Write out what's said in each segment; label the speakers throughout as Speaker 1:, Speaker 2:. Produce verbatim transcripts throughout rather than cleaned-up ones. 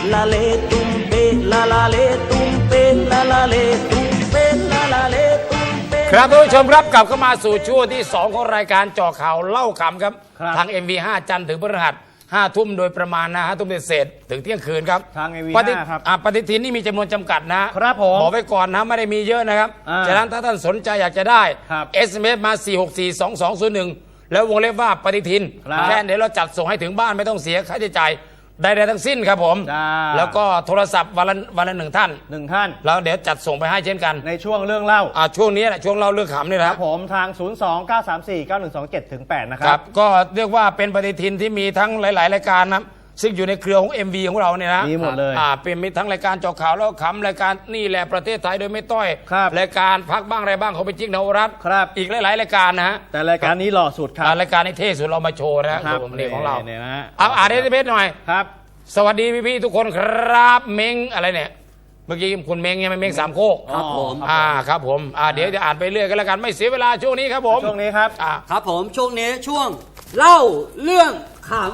Speaker 1: la le tumpe la la le tumpe la la le tumpe la la le tumpe
Speaker 2: ครับทุกผู้ชมครับกลับเข้ามาสู่ช่วงที่สองของรายการเจาะข่าวเล่าขำครับทาง เอ็ม วี ห้า จันทร์ถึงพฤหัสห้าทุ่มโดยประมาณนะห้าทุ่มเศษถึงเที่ยงคืนครับ
Speaker 3: ทาง เอ็ม วี
Speaker 2: ปฏิ
Speaker 3: ห้า ครับ
Speaker 2: อ่าปฏิทินนี่มีจำนวนจำกัดนะครับ
Speaker 3: ผม
Speaker 2: บอกไว้ก่อนนะไม่ได้มีเยอะนะครับ
Speaker 3: อ่า
Speaker 2: ฉะนั้นถ้าท่านสนใจอยากจะได้
Speaker 3: ครับ
Speaker 2: เอส เอ็ม เอส มา สี่ หก สี่ สอง สอง ศูนย์ หนึ่ง แล้ววงเล็บว่าปฏิทิน
Speaker 3: ครับ
Speaker 2: แค่เดี๋ยวเราจัดส่งให้ถึงบ้านไม่ต้องเสียค่าใช้จ่ายใดๆทั้งสิ้นครับผม
Speaker 3: จ้า
Speaker 2: แล้วก็โทรศัพท์วันละวันละหนึ่งท่าน
Speaker 3: หนึ่งท่าน
Speaker 2: แล้วเดี๋ยวจัดส่งไปให้เช่นกัน
Speaker 3: ในช่วงเรื่องเล่า
Speaker 2: อ่าช่วงนี้แหละช่วงเล่าเรื่องขำนี่แหละ
Speaker 3: ครับผมทาง ศูนย์ สอง เก้า สาม สี่ เก้า หนึ่ง สอง เจ็ด ถึง แปด นะค
Speaker 2: ค
Speaker 3: รั
Speaker 2: รับ บก็เรียกว่าเป็นปฏิทินที่มีทั้งหลาย ๆ รายการนะซึ่งอยู่ในเครือของ เอ็ม วี ของเราเนี่ยนะ
Speaker 3: มีหมดเลย
Speaker 2: อ่าเป็นมีทั้งรายการเจาะข่าวแล้วขำรายการนี่แหละประเทศไทยโดยไม่ต้อย
Speaker 3: ครับ
Speaker 2: รายการพักบ้างอะไรบ้างเขาไปจิ๊กนวรัตน์
Speaker 3: ครับ
Speaker 2: อีกหลาย ๆ รายการนะฮะ
Speaker 3: แต่รายการนี้หล่อสุดครับ
Speaker 2: อ่ารายการในเท่สุดเรามาโชว์นะฮะ
Speaker 3: ครับ
Speaker 2: ผมนี่ของเรา
Speaker 3: เนี่ยนะฮะ
Speaker 2: เอาอ่านเอส เอ็ม เอส หน่อย
Speaker 3: ครับ
Speaker 2: สวัสดีพี่ ๆ ทุกคนครับเม้งอะไรเนี่ยเมื่อกี้คุณเม้งยังไม่เม้งสามโคก
Speaker 3: ครับผม
Speaker 2: อ่าครับผมอ่าเดี๋ยวจะอ่านไปเรื่อยกันแล้วกันไม่เสียเวลาช่วงนี้ครับผม
Speaker 3: ช่วงนี้ครับ
Speaker 2: อ่า
Speaker 4: ครับผมช่วงนี้ช่วงเล่าเรื่องขำ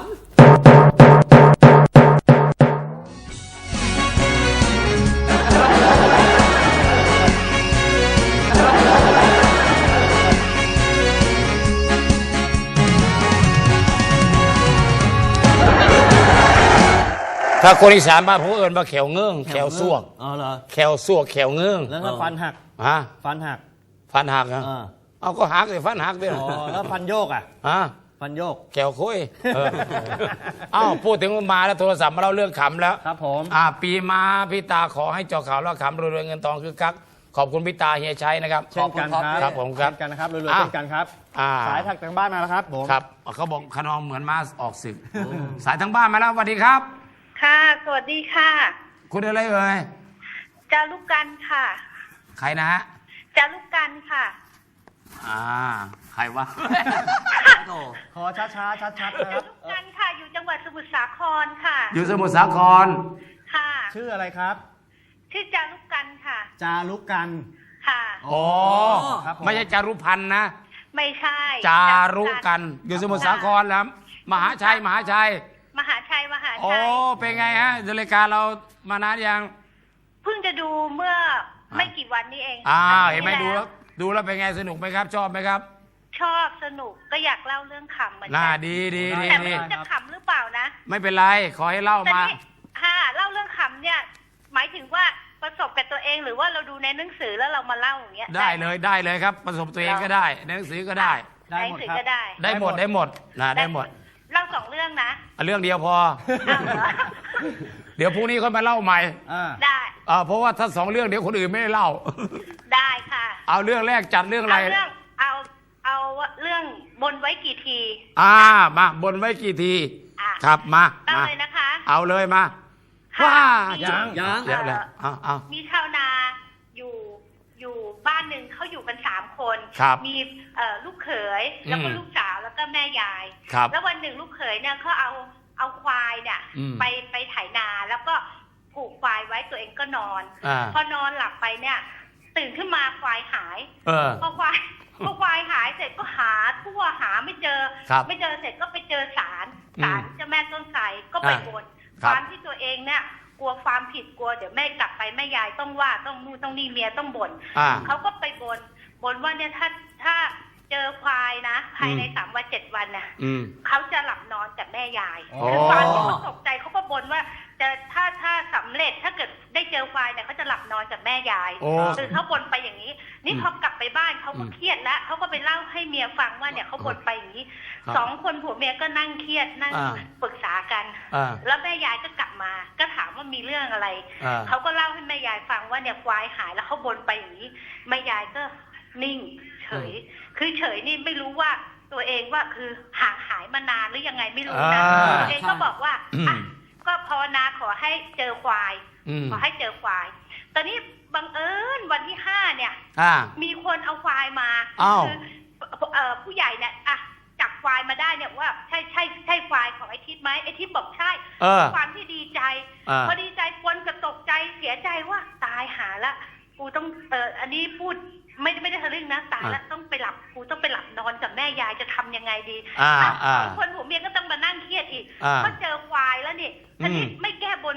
Speaker 2: ถ้าคนอีสานบ้านผมเอิญมาแขวเงื่องแขวซวก
Speaker 4: อ๋อเหรอ
Speaker 2: แขวซวกแขวเงื่อง
Speaker 3: แล้วถ้าฟันหัก
Speaker 2: ฮะ
Speaker 3: ฟันหัก
Speaker 2: ฟันหักนะ
Speaker 3: อ่า
Speaker 2: เอาก็หักเลยฟันหักด้วย
Speaker 3: อ๋อแล้วฟันโยกอ่ะ
Speaker 2: ฮะ
Speaker 3: ฟันโยก
Speaker 2: แขวคุยเออเอ้าพูดถึงมาแล้วโทรศัพท์มาเล่าเรื่องขำแล้ว
Speaker 3: ครับผม
Speaker 2: อ่าปีมาพี่ตาขอให้เจาะข่าวแล้วขำรวยๆเงินทองคือคักขอบคุณพี่ตาเฮียชัยนะครับ
Speaker 3: เช่นกันครับ
Speaker 2: ครับผมครับ
Speaker 3: เช่นกันนะครับรวยๆ
Speaker 2: อ่ะ
Speaker 3: เช่นกันครับ
Speaker 2: อ่า
Speaker 3: สายถักทางบ้านมาแล้วครับผม
Speaker 2: ครับเขาบอกขนองเหมือนมาออกศึกสายทั้งบ้านมาแล้วสวัสดีครับ
Speaker 5: ค่ะ สวัสดีค่ะ
Speaker 2: คุณอะไรเอ่ย
Speaker 5: จารุกันค่ะ
Speaker 2: ใครนะฮะ
Speaker 5: จารุกันค่ะ
Speaker 2: อ่าใครวะ
Speaker 4: โอ้
Speaker 3: ขอช้าๆชัดๆนะค
Speaker 5: จา
Speaker 3: รับ
Speaker 5: รุกันค่ะ อยู่จังหวัดสมุทรสาครค่ะ
Speaker 2: อยู่สมุทรสาคร
Speaker 5: ค่ะ
Speaker 3: ชื่ออะไรครับ
Speaker 5: ชื่อจารุกันค่ะ
Speaker 3: จารุกัน
Speaker 5: ค่ะ
Speaker 2: อ๋อ
Speaker 3: ครับผม
Speaker 2: ไม่ใช่จารุพันธ์นะ
Speaker 5: ไม่ใช่
Speaker 2: จารุกัน อยู่สมุทรสาครแล้วมหาชัยมหาชัย
Speaker 5: มหาชัย มหา
Speaker 2: โอ้
Speaker 5: ชัย
Speaker 2: เป็นไงฮะดูรายการเรามานานยัง
Speaker 5: เพิ่งจะดูเมื่อไม่กี่วันนี้เอง
Speaker 2: อ้าว
Speaker 5: อาทิตย์
Speaker 2: เห็นไหม
Speaker 5: ที่
Speaker 2: ดูแล้วดูแล้วเป็นไงสนุกไหมครับ ชอบไหมครับ
Speaker 5: ชอบสนุกก็อยากเล่าเรื่องขำเหมือน
Speaker 2: น่า
Speaker 5: กั
Speaker 2: ดีดีดี
Speaker 5: แต่ไม่
Speaker 2: ดี
Speaker 5: รู้จะขำหรือเปล่านะ
Speaker 2: ไม่เป็นไรขอให้เล่า
Speaker 5: แต่
Speaker 2: มา
Speaker 5: นี่ค่ะเล่าเรื่องขำเนี่ย หมายถึงว่าประสบกับตัวเองหรือว่าเราดูในหนังสือแล้วเรามาเล่าอย่างเงี้ย
Speaker 2: ได้เลยได้เลยครับประสบตัวเองก็ได้ในหนังสือก็ได้
Speaker 5: ในหนังสือก็ได้
Speaker 2: ได้หมดได้หมดนะได้หมด
Speaker 5: เล่าสองเรื่องนะ
Speaker 2: อ่ะเรื่องเดียวพอ
Speaker 5: อ้าวเหรอ
Speaker 2: เดี๋ยวพรุ่งนี้ค่อยมาเล่าใหม่
Speaker 3: อ่า
Speaker 5: ได้
Speaker 2: อ่าเพราะว่าถ้าสองเรื่องเดี๋ยวคนอื่นไม่ได้เล่า
Speaker 5: ได้ค่ะ
Speaker 2: เอาเรื่องแรกจัดเรื่องอะไร
Speaker 5: เอาเรื่องเอาเอาเรื่องบนไว้กี่ที
Speaker 2: อ่ามาบนไว้กี่ที
Speaker 5: อ่ะ
Speaker 2: ครับมา
Speaker 5: เล่า
Speaker 2: มา
Speaker 5: เลยนะคะ
Speaker 2: เอาเลยมา
Speaker 5: ค่ะ
Speaker 2: ว้า
Speaker 5: มี
Speaker 3: ยัง
Speaker 4: ยัง
Speaker 2: เดี๋ยวแล้วเอาเอา
Speaker 5: มีชาวนาอยู่อยู่บ้านหนึ่งเขาอยู่กันสามคน
Speaker 2: ครับ
Speaker 5: มีเอ่อลูกเขยแล้วก็
Speaker 2: อืม
Speaker 5: ลูกสาวแล้วก็แม่ยาย
Speaker 2: ครับ
Speaker 5: แล้ววันหนึ่งลูกเขยเนี่ยเขาเอาเอาควายเนี่ย
Speaker 2: อืม
Speaker 5: ไปไปไถนาแล้วก็ผูกควายไว้ตัวเองก็นอน
Speaker 2: อ่า
Speaker 5: พอนอนหลับไปเนี่ย ตื่นขึ้นมาควายหาย
Speaker 2: เออ
Speaker 5: พอควายพอควายหายเสร็จก็หาทั่วหาไม่เจอ
Speaker 2: ครับ
Speaker 5: ไม่เจอเสร็จก็ไปเจอศาล
Speaker 2: อืม
Speaker 5: ศาลเจ้าแม่ต้นไทรก็ไป
Speaker 2: อ่า
Speaker 5: บน
Speaker 2: ค
Speaker 5: ครับ วามที่ตัวเองเนี่ยกลัวความผิดกลัวเดี๋ยวแม่กลับไปแม่ยายต้องว่าต้องนู่นต้องนี่เมียต้องบ่น
Speaker 2: อ่า
Speaker 5: เขาก็ไปบนบนว่าเนี่ยถ้าถ้าเจอควายนะภายใน
Speaker 2: อืม
Speaker 5: สามวันเจ็ดวันน่ะ
Speaker 2: อืม
Speaker 5: เขาจะหลับนอนกับแม่ยาย
Speaker 2: อ๋อ
Speaker 5: คือความที่เขาตกใจเขาก็บนว่าจะถ้าถ้าสำเร็จถ้าเกิดได้เจอควายเนี่ยเขาจะหลับนอนกับแม่ยาย
Speaker 2: โอ้
Speaker 5: คือเขาบนไปอย่างนี้ นี่พอกลับไปบ้านเขาก็เครียดแล้วเขาก็ไปเล่าให้เมียฟังว่าเนี่ยเขาบนไปอย่างนี้
Speaker 2: ครับ
Speaker 5: สองคนผัวเมียก็นั่งเครียดนั่ง
Speaker 2: อ่า
Speaker 5: ปรึกษากัน
Speaker 2: อ่า
Speaker 5: แล้วแม่ยายก็กลับมา ก็ถามว่ามีเรื่องอะไร
Speaker 2: อ่า
Speaker 5: เขาก็เล่าให้แม่ยายฟังว่าเนี่ยควายหายแล้วเขาบนไปอย่างนี้แม่ยายก็นิ่งเฉย คือเฉยนี่ไม่รู้ว่าตัวเองว่าคือห่างหายมานานหรือยังไงไม่รู้นะ
Speaker 2: อ่า
Speaker 5: ตัวเองก็บอกว่า
Speaker 2: อืม
Speaker 5: อ่ะก็ภาวนาขอให้เจอควาย
Speaker 2: อืม
Speaker 5: ขอให้เจอควาย ตอนนี้บังเอิญวันที่ห้าเนี่ย
Speaker 2: อ่า
Speaker 5: มีคนเอาควายมา
Speaker 2: อ้าว
Speaker 5: คือเอ่อผู้ใหญ่เนี่ยอ่ะจับควายมาได้เนี่ยว่าใช่ใช่ใช่ควายของไอ้ทิพย์ไหมไอ้ทิพย์บอกใช่
Speaker 2: เออ
Speaker 5: ความที่ดีใจ
Speaker 2: อ่า
Speaker 5: พอดีใจปนกับตกใจเสียใจว่าตายหาละกูต้องเอออันนี้พูดไม่ไม่ได้ทะลึ่งนะตายแล้วต้องไปหลับกูต้องไปหลับนอนกับแม่ยายจะทำยังไงดี
Speaker 2: อ่า
Speaker 5: อ่ะ
Speaker 2: อ่า
Speaker 5: สองคนผัวเมียก็ต้องมานั่งเครียดอีก
Speaker 2: อ่า
Speaker 5: ก็เจอควายแล้วนี่ทีนี้
Speaker 2: อืม
Speaker 5: ไม่แก้บนไม่ได้ พ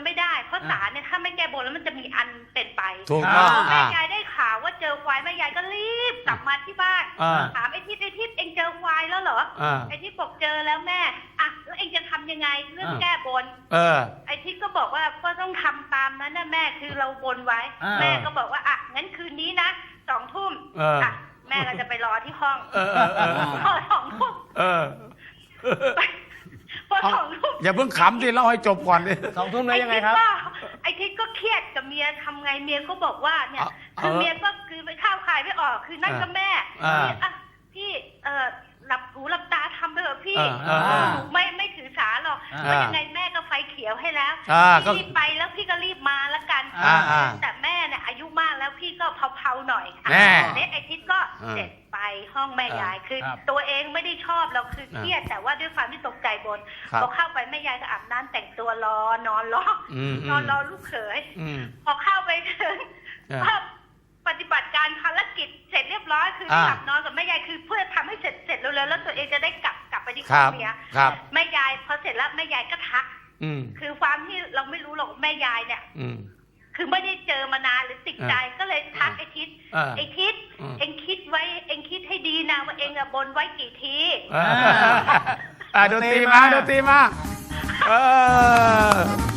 Speaker 5: เพราะศาลเนี่ยถ้าไม่แก้บนแล้วมันจะมีอันเป็นไป
Speaker 2: ถูกต้อง
Speaker 5: แม่
Speaker 2: อ่าย
Speaker 5: ายได้ข่าวว่าเจอควายแม่ยายก็รีบกลับมาที่บ้าน
Speaker 2: อ่า
Speaker 5: ถามไอ้ทิศไอ้ทิศเองเจอควายแล้วเหรอ
Speaker 2: อ่า
Speaker 5: ไอ้ทิศบอกเจอแล้วแม่อ่ะแล้วเองจะทำยังไงเรื่องแก้บน
Speaker 2: เออ
Speaker 5: ไอ้ทิศก็บอกว่าก็ต้องทำตามนั้นนะแม่คือเราบนไว้
Speaker 3: อ่า
Speaker 5: แม่ก็บอกว่าอ่ะงั้นคืนนี้นะสองทุ่ม
Speaker 2: เอออ่
Speaker 5: ะแม่ก็จะไปรอที่ห้อง
Speaker 2: เออเออเออ
Speaker 5: พอสองทุ่ม
Speaker 2: เออ
Speaker 5: พอ
Speaker 2: เอา
Speaker 5: สองทุ่ม
Speaker 2: อย่าเพิ่งขำดิเล่าให้จบก่อนดิ
Speaker 3: สองทุ่มแล้วยังไงครับ
Speaker 5: ไอ้ทิศก็เครียดกับเมียทำไงเมียก็บอกว่าเนี่ย
Speaker 2: เอา
Speaker 5: คือ
Speaker 2: เอา
Speaker 5: เมียก็คือไปข้าวขายไม่ออกคือนั่นก็แม่
Speaker 2: อ่า
Speaker 5: พี่อ่ะพี่เออหลับหูหลับตาทำไปเถอะพี่
Speaker 2: อ่าอ่า
Speaker 5: หนูไม่ไม่ถือสาหรอก
Speaker 3: อ่า
Speaker 5: เพราะยังไงแม่ก็ไฟเขียวให้แล้ว
Speaker 2: อ่าก็
Speaker 5: พี่รีบไปแล้วพี่ก็รีบมาแล้วกัน
Speaker 2: อ่าอ่า
Speaker 5: แต่แม่เนี่ยอายุมากแล้วพี่ก็เผาๆหน่อย
Speaker 2: แม่
Speaker 5: เนี่ยไอ้ทิศก็
Speaker 2: อ่า
Speaker 5: เสร็จไปห้องแม่ยายคือ
Speaker 3: ครับ
Speaker 5: ตัวเองไม่ได้ชอบเราคือเครียดแต่ว่าด้วยความที่ตกใจบน
Speaker 2: ครับ
Speaker 5: พอเข้าไปแม่ยายก็อาบน้ำแต่งตัวรอนอนรอ
Speaker 2: อืม
Speaker 5: นอนรอลูกเขย
Speaker 2: อืม
Speaker 5: พอเข้าไปถึง
Speaker 2: อ่า
Speaker 5: ภาพปฏิบัติการภารกิจเสร็จเรียบร้อยคือ
Speaker 2: อ่า
Speaker 5: หลับนอนกับแม่ยายคือเพื่อทำให้เสร็จเสร็จเร็วๆแล้วตัวเองจะได้กลับกลับไปที่
Speaker 2: ค
Speaker 5: ห้
Speaker 2: รั
Speaker 5: อบ งเมีย
Speaker 2: ครับ
Speaker 5: แม่ยายพอเสร็จแล้วแม่ยายก็ทัก
Speaker 2: อืม
Speaker 5: คือความที่เราไม่รู้หรอกแม่ยายเนี่ย
Speaker 2: อืม
Speaker 5: คือไม่ได้เจอมานานหรือติดใจก็เลยทักไอ้ทิศ
Speaker 2: อ่า
Speaker 5: ไอ้ทิศ
Speaker 2: อืม
Speaker 5: เองคิดไว้เองคิดให้ดีนะว่าเองอะบนไว้กี่ที
Speaker 2: เอออ่าดนตรีมาดนตรีมาเออ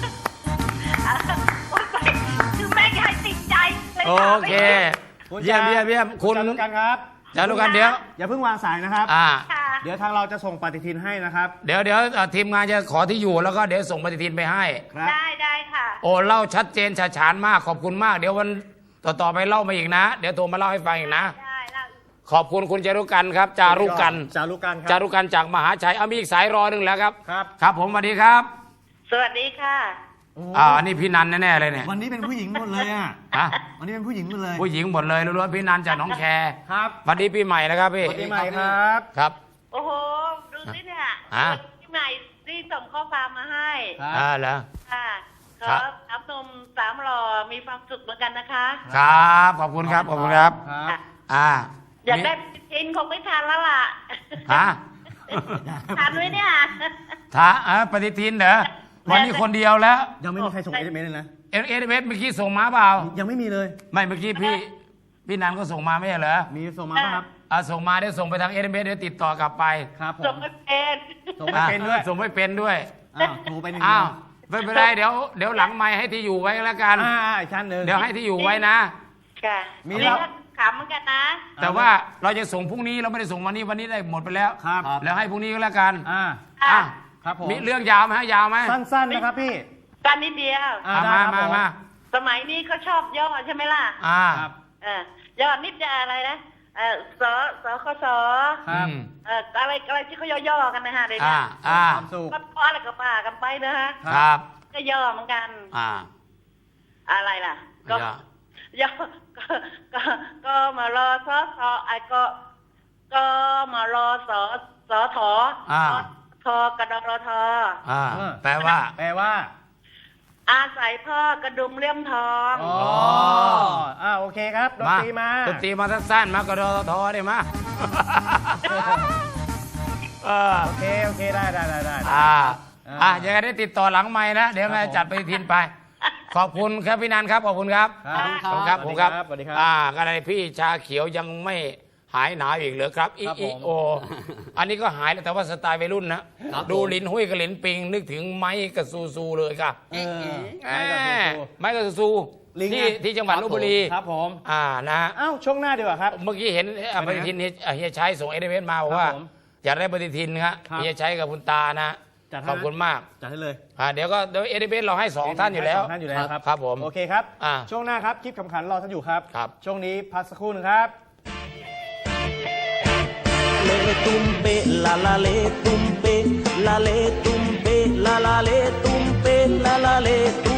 Speaker 5: คือแม่ยายติดใจเลย
Speaker 2: โอ
Speaker 5: ถามไป
Speaker 2: เค
Speaker 3: คุณ
Speaker 2: เยี่ยม
Speaker 3: จา
Speaker 2: เยี่ยมเยี่ยมคุณ
Speaker 3: จารุกันครับ
Speaker 2: จารุกันเดี๋ยว
Speaker 3: อย่าเพิ่งวางสายนะครับ
Speaker 2: อ่า
Speaker 5: ค่ะ
Speaker 3: เดี๋ยวทางเราจะส่งปฏิทินให้นะครับ
Speaker 2: เดี๋ยวเดี๋ยวเอ่อทีมงานจะขอที่อยู่แล้วก็เดี๋ยวส่งปฏิทินไปให้
Speaker 3: ครับ
Speaker 5: ได้ได้ค่ะ
Speaker 2: โอ้เล่าชัดเจนฉาฉานมากขอบคุณมาก เดี๋ยววันต่อต่อไปเล่ามาอีกนะ เดี๋ยวโทรมาเล่าให้ฟังอีกนะ
Speaker 5: ได้แล้ว
Speaker 2: ขอบคุณคุณจารุกันครับ จารุกัน
Speaker 3: จารุกันครับ
Speaker 2: จารุกันจากมหาชัยเอามีอีกสายรอหนึ่งแล้วครับ
Speaker 3: ครับ
Speaker 2: ครับผมสวัสดีครับ
Speaker 5: สวัสดีค่ะ
Speaker 3: โอ้
Speaker 2: อ่าอันนี้พี่นันแน่ๆเลยเนี่ย
Speaker 3: วันนี้เป็นผู้หญิงหมดเลยอ่ะ
Speaker 2: ฮะ
Speaker 3: วันนี้เป็นผู้หญิงหมดเลย
Speaker 2: ผู้หญิงหมดเลยล้วนๆพี่นันจากหน้องแค
Speaker 3: ครับ
Speaker 2: สวัสดีปีใหม่นะครับพี่
Speaker 3: สวัสดีใหม่ครับ
Speaker 2: ครับ
Speaker 5: โอ้โห ดูสิเนี่ย
Speaker 2: ฮะ
Speaker 5: ที่ไหนรีบส่งข้อความมาให้
Speaker 3: ครับ
Speaker 2: อ่าเหรอ
Speaker 5: ค่ะข
Speaker 2: ครั
Speaker 5: อบ อับนมสามหล่อมีความสุขเหมือนกันนะคะ
Speaker 2: ครับขอบคุณครับขอบคุณครับ
Speaker 3: ครับ
Speaker 2: อ่า
Speaker 5: อยากได้ทินคงไม่ทันแล้วล่ะ
Speaker 2: ฮะ
Speaker 5: ทันไหมเนี่ย
Speaker 2: ท้าอ่าปฏิทินเหรอวันนี้คนเดียวแล้ว
Speaker 3: ยังไม่มีใครส่งเอสเอ็มเอสเลยนะ
Speaker 2: เอเอเเมื่อกี้ส่งมาเปล่า
Speaker 3: ยังไม่มีเลย
Speaker 2: ไม่เมื่อกี้พี่พี่นันก็ส่งมาไม่ใช่เหรอ
Speaker 3: มีส่งมาป่ะครับ
Speaker 2: อ่าส่งมาเดี๋ยวส่งไปทางเอเเเดี๋ยวติดต่อกลับไป
Speaker 3: ครับผ
Speaker 5: ส่ง
Speaker 3: ม
Speaker 5: ไม่เป็น
Speaker 3: ส่งไม่เป็นด้วย
Speaker 2: อ่าส่งไม่เป็นด้วย
Speaker 3: อ้าวโทรไปหนึ่ง
Speaker 2: อ้าว
Speaker 3: เดียว
Speaker 2: ไม่เป็นไรเดี๋ยวเดี๋ยวหลังไมค์ให้ที่อยู่ไว้แล้วกัน
Speaker 3: อ่าอีกชั้นหนึ่ง
Speaker 2: เดี๋ยวให้ที่อยู่ไว้นะ
Speaker 5: ค่ะ
Speaker 3: มี
Speaker 5: เรีย
Speaker 3: แล้
Speaker 5: ก
Speaker 3: ว
Speaker 5: ขำเหมือนกันนะ
Speaker 2: แต่ว่าเราจะส่งพรุ่งนี้เราไม่ได้ส่งวันนี้วันนี้ได้หมดไปแล้ว
Speaker 3: ครับ
Speaker 2: แล้วให้พรุ่งนี้ก็แล้วกัน
Speaker 3: อ่า
Speaker 2: อ่ะ
Speaker 3: ครับผม
Speaker 2: มีเรื่องยาวไหมฮะยาวไหม
Speaker 3: สั้นๆนะครับพี่
Speaker 5: กันนิดเดียว
Speaker 3: อ่า
Speaker 2: อ่ะ
Speaker 3: ได้
Speaker 2: มา
Speaker 3: ครับ
Speaker 2: มา
Speaker 3: ผม
Speaker 2: มา
Speaker 5: สมัยนี้เขาชอบย่อใช่ไหมล่ะ
Speaker 2: อ่า
Speaker 3: ครับ
Speaker 5: เออย่อนิดจะอะไรนะเออสสคส
Speaker 3: ครับ
Speaker 2: อืม
Speaker 5: เอออะไรอะไรที่เขาย่อๆกันนะฮะเดี๋ยวนี้
Speaker 2: อ่าอ่า
Speaker 3: ความสุข
Speaker 5: ก็พออะไรก็ป่ากันไปนะฮะ
Speaker 2: ครับ
Speaker 5: ก็ย่อเหมือนกัน
Speaker 2: อ่า
Speaker 5: อะไรล่ะ ก็
Speaker 2: ย่อ
Speaker 5: ย่อก็ก็ก็มารอสอสอไอ้ก็ ก็มารอสอสอถอ
Speaker 2: อ่า
Speaker 5: ทอกระดรทอ
Speaker 2: อ่า
Speaker 3: เออ
Speaker 2: แปลว่า
Speaker 3: แปลว่า
Speaker 5: อาศัยพ่อกระดุมเลี่ยมทอง
Speaker 3: อ๋ออ่าโอเคครับดนตรีมา
Speaker 2: ดนตรีมาสั้นๆมากระโดดทอได้มาเออ
Speaker 3: โอเคโอเคได้ได้ได้ได้
Speaker 2: อ่า
Speaker 3: อ่า
Speaker 2: อ่ะยังไงได้ติดต่อหลังไม้นะ เดี๋ยวแม่
Speaker 3: ครับผม
Speaker 2: จัดไปทินไป ขอบคุณครับพี่นันครับ ขอบคุณครับ
Speaker 3: ครับ
Speaker 2: ขอบคุณครับ
Speaker 3: ส
Speaker 2: ผ
Speaker 3: วั
Speaker 2: ม
Speaker 3: สดี
Speaker 2: ครับ
Speaker 3: สวัสดีครับ
Speaker 2: อ่าก็เลยพี่ชาเขียวยังไม่หายหนาวอีกเหรอครับอี
Speaker 3: ครับ
Speaker 2: อี
Speaker 3: ผม
Speaker 2: โอ อันนี้ก็หายแล้วแต่ว่าสไตล์วัยรุ่นนะ ดูลินหุ้ยกับลินปิง นึกถึงไม้กับซูซูเลยครับ
Speaker 3: เออ
Speaker 2: แห
Speaker 3: ไม่ต้องดู
Speaker 2: มไม้กับซูซู
Speaker 3: ลิง
Speaker 2: ที่
Speaker 3: ไง
Speaker 2: ที่จังหวัดลบบุรี
Speaker 3: ครับผม
Speaker 2: อ่านะ
Speaker 3: เอ้าช่วงหน้าดีกว่าครับ
Speaker 2: เมื่อกี้เห็นอ่ะปฏิทินเฮียเฮียชัยส่งเอเดเวนมาบอกว่า
Speaker 3: ครับผม
Speaker 2: อยากได้ปฏิทินครับ
Speaker 3: ครับ
Speaker 2: เฮียชัยกับคุณตานะ
Speaker 3: จัดให้
Speaker 2: ขอบคุณมาก
Speaker 3: จัดให้เลย
Speaker 2: อ่าเดี๋ยวก็เดี๋ยวเอเดเวนเราให้สองท่านอยู่แล้ว
Speaker 3: สงท่านอยู่แล้วครับ
Speaker 2: ครับผม
Speaker 3: โอเคครับ
Speaker 2: อ่า
Speaker 3: ช่วงหน้าครับคลิปขำขันรอท่านอยู่ครับ
Speaker 2: ครับ
Speaker 3: ช่วงนี้พักสักครู่หนึงครับ
Speaker 1: เลตุ้มเปลาลาเลตุ้มเปลาเลตุ้มเปลาลาเลตุ้มเปลาลาเลตุ้ม